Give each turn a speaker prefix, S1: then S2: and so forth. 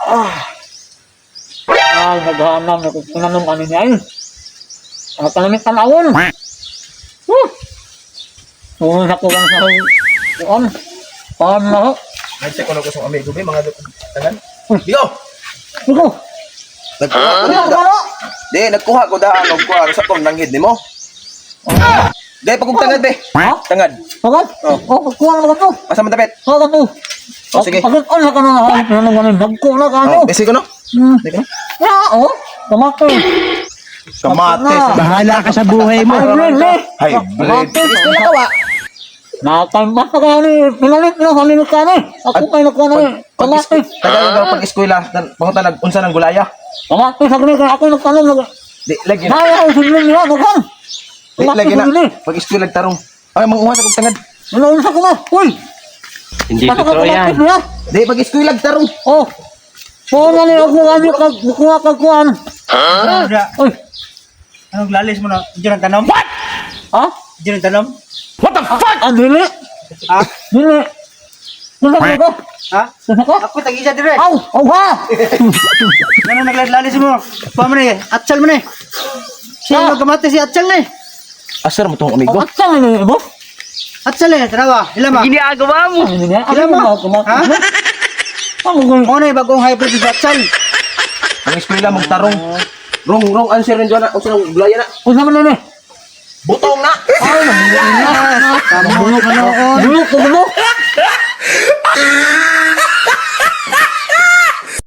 S1: Naghahanap na kung sinanong ano niya yun. Panamit tanawon. Kung sa kulang sa kuwan. Paan na ho.
S2: Nagsa ko na ko sa amigo ba, mga tangan. Diyo!
S1: Iko.
S2: Nagkuha ko Di, nagkuha ko daan og kuha sa tong nanghid nimo. Di, pagkong tangad be.
S1: Ha?
S2: Tangad.
S1: Pagod? Kuha na ka to.
S2: Asa man tapet?
S1: Kuha to.
S2: Sige.
S1: Pagod na ka na. Sinanong ano. Nagkuha ka to.
S2: Besi ko no? Di ko no?
S1: Kamate.
S2: Kamatis.
S3: Bahala ka sa buhay mo.
S2: Hybrid.
S1: Gusto na kawa. Nakatambas na kaya ni pinalit na kanina ka na. Ako kayo nakuha na eh. Kamate.
S2: Tagal daw pag-eskwela, pangunta nag-unsa ng gulaya.
S1: Kamate sa kanina ako nagtanong.
S2: Di, lagi na.
S1: Kaya ako sinilin niya. Nagkan.
S2: Di, lagi na. Pag-eskwela tarong. Ay, manguha sa kong tangad.
S1: Nalaunsa ko na. Uy.
S3: Hindi totoo yan.
S2: Di, pag-eskwela tarong.
S1: Oh. Oo nga niya ako nga niyo kuha kagkuhan. Uy.
S3: Anong lalis mo na? Diyan ang tanong? What?
S1: Ha?
S3: Diyan ang tanong?
S1: What the fuck? Dili.
S3: Ha?
S1: Dili. Sino ko?
S3: Ha?
S1: Sino ko?
S3: Ako tag-isa dire.
S1: Aw! Aw ha!
S3: Ano naglalis mo? Pa mo na eh. Atsal mo na eh. Siya magkamate si Atsal na eh.
S2: Asar mo tong amigo.
S1: At saan na mo?
S3: Atsal eh. Tarawa. Hilama.
S4: Ginagawa mo.
S1: Ano niya?
S3: Alam mo? Ha?
S1: Ano kung
S3: Ano eh bagong hybrid si Atsal?
S2: Ang eskwela mong tarong. Wrong answer rin dyan na. Unsa ng gulaya na.
S1: kung saan man na?
S2: Butong na.
S1: Ay, bulok na noon. Bulok ko bulok.